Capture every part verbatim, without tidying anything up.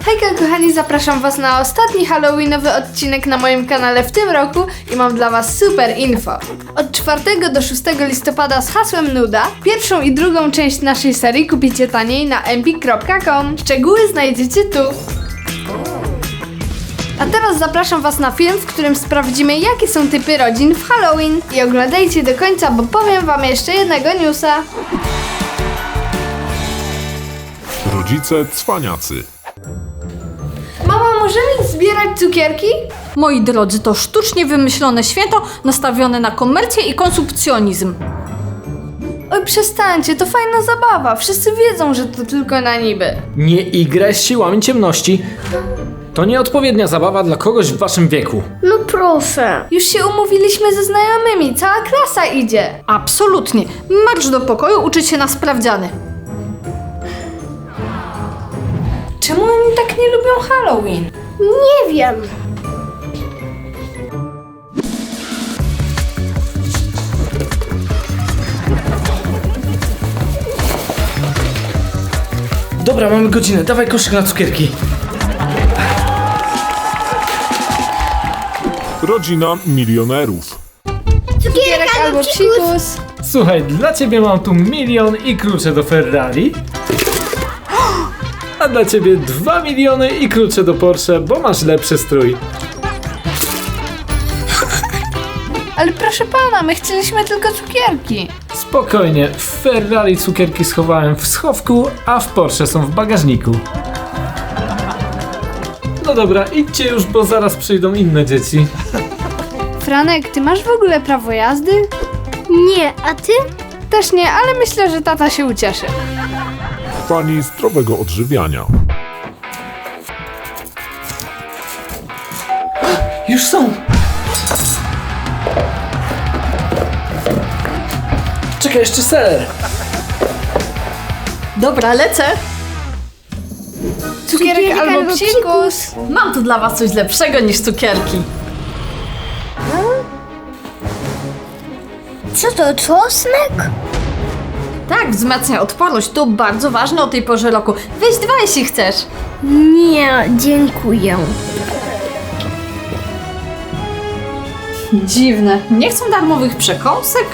Hejka kochani, zapraszam was na ostatni halloweenowy odcinek na moim kanale w tym roku i mam dla was super info. Od czwartego do szóstego listopada z hasłem Nuda pierwszą i drugą część naszej serii kupicie taniej na empik kropka com. Szczegóły znajdziecie tu. A teraz zapraszam was na film, w którym sprawdzimy, jakie są typy rodzin w Halloween. I oglądajcie do końca, bo powiem wam jeszcze jednego newsa. Rodzice cwaniacy. Mama, możemy zbierać cukierki? Moi drodzy, to sztucznie wymyślone święto nastawione na komercję i konsumpcjonizm. Oj, przestańcie, to fajna zabawa. Wszyscy wiedzą, że to tylko na niby. Nie igraj z siłami ciemności. To nieodpowiednia zabawa dla kogoś w waszym wieku. No proszę. Już się umówiliśmy ze znajomymi, cała klasa idzie. Absolutnie. Marsz do pokoju uczyć się na sprawdziany. Czemu oni tak nie lubią Halloween? Nie wiem. Dobra, mamy godzinę, dawaj koszyk na cukierki. Rodzina milionerów. Cukierek albo psikus. Słuchaj, dla ciebie mam tu milion i klucze do Ferrari. A dla ciebie dwa miliony i klucze do Porsche, bo masz lepszy strój. Ale proszę pana, my chcieliśmy tylko cukierki. Spokojnie, w Ferrari cukierki schowałem w schowku, a w Porsche są w bagażniku. No dobra, idźcie już, bo zaraz przyjdą inne dzieci. Franek, ty masz w ogóle prawo jazdy? Nie, a ty? Też nie, ale myślę, że tata się ucieszy. Fani zdrowego odżywiania. Już są! Czekaj, jeszcze ser! Dobra, lecę. Cukierek, Cukierek albo albo psikus. Mam tu dla was coś lepszego niż cukierki. Co to, czosnek? Tak, wzmacnia odporność. To bardzo ważne o tej porze roku. Weź dwa, jeśli chcesz. Nie, dziękuję. Dziwne. Nie chcą darmowych przekąsek?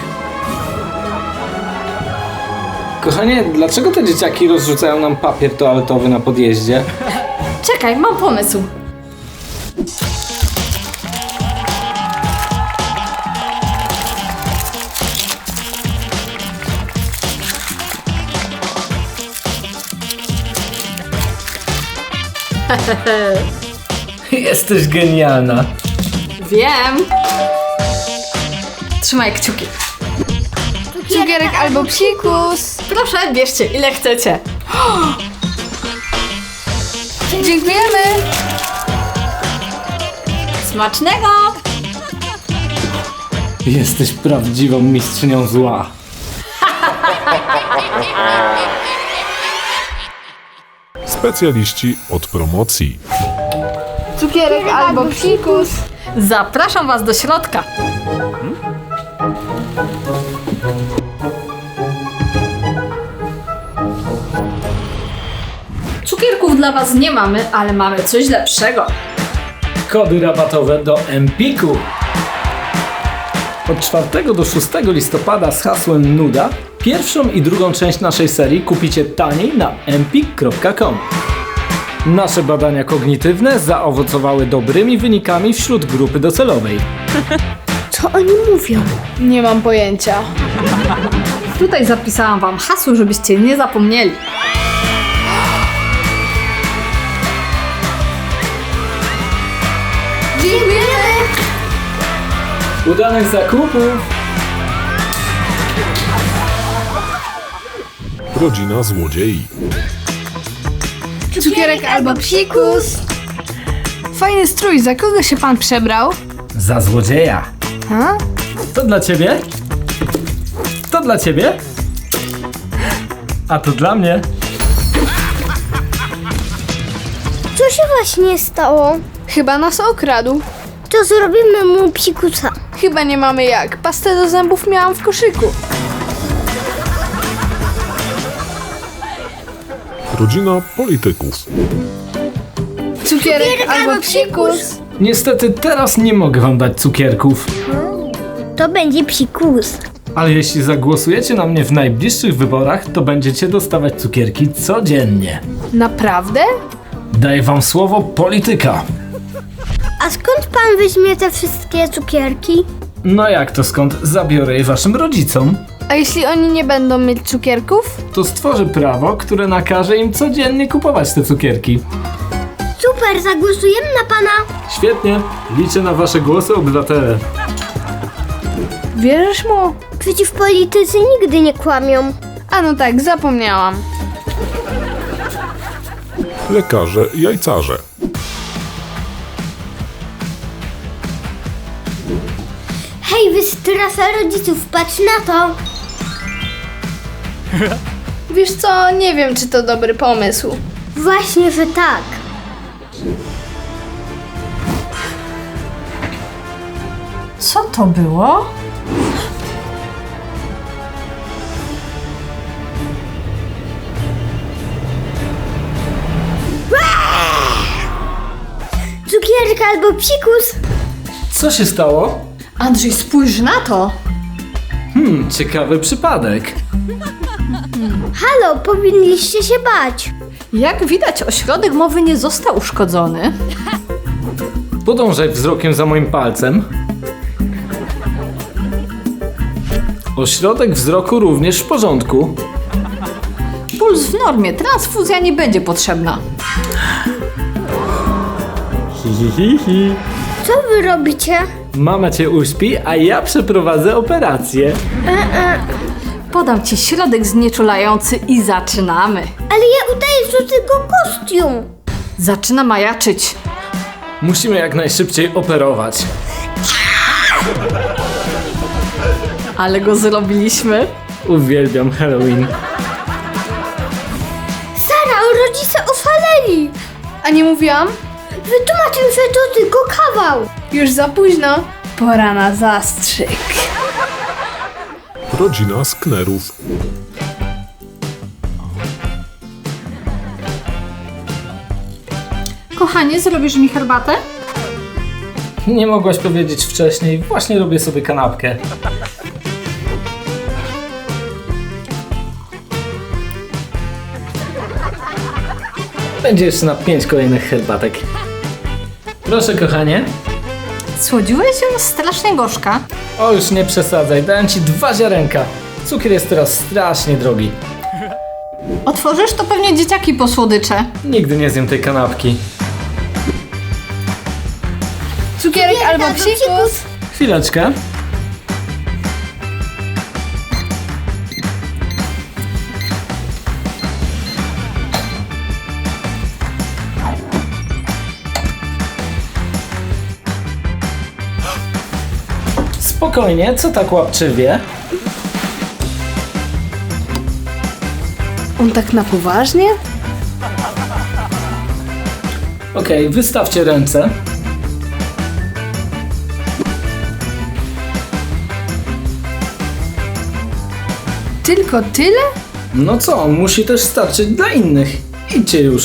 Kochanie, dlaczego te dzieciaki rozrzucają nam papier toaletowy na podjeździe? Czekaj, mam pomysł. Jesteś genialna. Wiem. Trzymaj kciuki. Cukierek albo psikus. Proszę, bierzcie ile chcecie. Dziękujemy. Smacznego! Jesteś prawdziwą mistrzynią zła. Specjaliści od promocji. Cukierek albo psikus. Zapraszam was do środka. Cukierków dla was nie mamy, ale mamy coś lepszego. Kody rabatowe do Empiku. Od czwartego do szóstego listopada z hasłem Nuda pierwszą i drugą część naszej serii kupicie taniej na empik kropka com. Nasze badania kognitywne zaowocowały dobrymi wynikami wśród grupy docelowej. Co oni mówią? Nie mam pojęcia. Tutaj zapisałam wam hasło, żebyście nie zapomnieli. Dziękujemy. Udanych zakupów! Rodzina złodziei. Cukierek albo psikus. Fajny strój, za kogo się pan przebrał? Za złodzieja! Ha? To dla ciebie? To dla ciebie? A to dla mnie? Co się właśnie stało? Chyba nas okradł. To zrobimy mu psikusa. Chyba nie mamy jak. Pastę do zębów miałam w koszyku. Rodzina polityków. Cukierek albo psikus. Niestety teraz nie mogę wam dać cukierków. To będzie psikus. Ale jeśli zagłosujecie na mnie w najbliższych wyborach, to będziecie dostawać cukierki codziennie. Naprawdę? Daję wam słowo polityka. A skąd pan weźmie te wszystkie cukierki? No jak to skąd? Zabiorę je waszym rodzicom. A jeśli oni nie będą mieć cukierków? To stworzę prawo, które nakaże im codziennie kupować te cukierki. Super, zagłosujemy na pana. Świetnie. Liczę na wasze głosy, obywatele. Wierzysz mu? Przecież politycy nigdy nie kłamią. A no tak, zapomniałam. Lekarze, jajcarze. Hej, wystrasza rodziców, patrz na to. Wiesz co, nie wiem, czy to dobry pomysł. Właśnie, że tak. Co to było? Cukierek albo psikus. Co się stało? Andrzej, spójrz na to! Hmm, ciekawy przypadek. Halo, powinniście się bać. Jak widać, ośrodek mowy nie został uszkodzony. Podążaj wzrokiem za moim palcem. Ośrodek wzroku również w porządku. Puls w normie, transfuzja nie będzie potrzebna. Hi, hi, hi, hi. Co wy robicie? Mama cię uśpi, a ja przeprowadzę operację. Podam ci środek znieczulający i zaczynamy. Ale ja udaję, że tylko kostium. Zaczyna majaczyć. Musimy jak najszybciej operować. Ale go zrobiliśmy. Uwielbiam Halloween. Sara, rodzice oszaleli. A nie mówiłam? Wytłumacz im, że to tylko kawał. Już za późno. Pora na zastrzyk. Rodzina Sknerów. Kochanie, zrobisz mi herbatę? Nie mogłaś powiedzieć wcześniej, właśnie robię sobie kanapkę. Będzie jeszcze na pięć kolejnych herbatek. Proszę, kochanie. Słodziłeś ją strasznie gorzka. O, już nie przesadzaj, dałem ci dwa ziarenka. Cukier jest teraz strasznie drogi. Otworzysz, to pewnie dzieciaki po słodycze. Nigdy nie zjem tej kanapki. Cukierek albo psikus. Chwileczkę. Spokojnie, co tak łapczywie? On tak na poważnie? Okej, wystawcie ręce. Tylko tyle? No co, musi też starczyć dla innych. Idźcie już.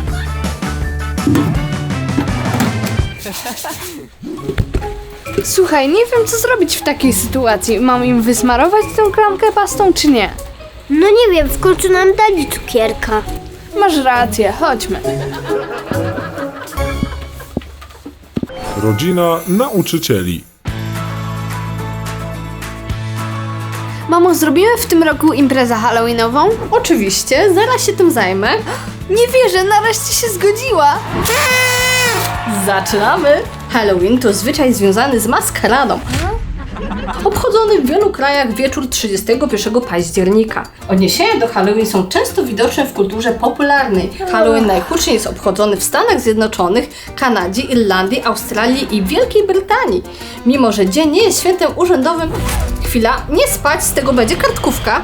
Słuchaj, nie wiem co zrobić w takiej sytuacji. Mam im wysmarować tę klamkę pastą czy nie? No nie wiem, w końcu nam dali cukierka. Masz rację, chodźmy. Rodzina nauczycieli. Mamo, zrobimy w tym roku imprezę halloweenową? Oczywiście, zaraz się tym zajmę. Nie wierzę, nareszcie się zgodziła. Zaczynamy! Halloween to zwyczaj związany z maskaradą. Obchodzony w wielu krajach wieczór trzydziestego pierwszego października. Odniesienia do Halloween są często widoczne w kulturze popularnej. Halloween najhuczniej jest obchodzony w Stanach Zjednoczonych, Kanadzie, Irlandii, Australii i Wielkiej Brytanii. Mimo że dzień nie jest świętem urzędowym... Chwila, nie spać, z tego będzie kartkówka.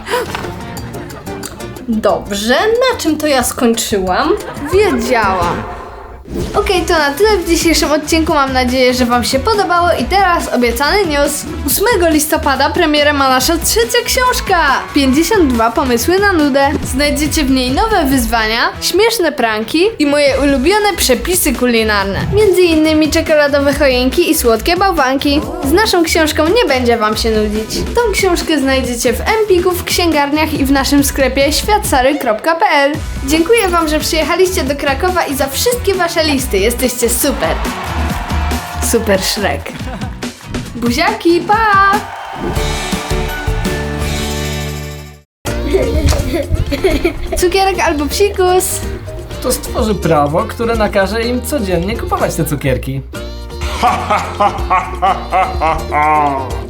Dobrze, na czym to ja skończyłam? Wiedziałam. Okej, to na tyle w dzisiejszym odcinku. Mam nadzieję, że Wam się podobało i teraz obiecany news. ósmego listopada premierę ma nasza trzecia książka. pięćdziesiąt dwa pomysły na nudę. Znajdziecie w niej nowe wyzwania, śmieszne pranki i moje ulubione przepisy kulinarne. Między innymi czekoladowe choinki i słodkie bałwanki. Z naszą książką nie będzie Wam się nudzić. Tą książkę znajdziecie w Empiku, w księgarniach i w naszym sklepie światsary kropka p l. Dziękuję Wam, że przyjechaliście do Krakowa i za wszystkie Wasze listy. Jesteście super. Super Shrek. Buziaki, pa! Cukierek albo psikus. To stworzy prawo, które nakaże im codziennie kupować te cukierki. Ha, ha, ha, ha, ha, ha, ha.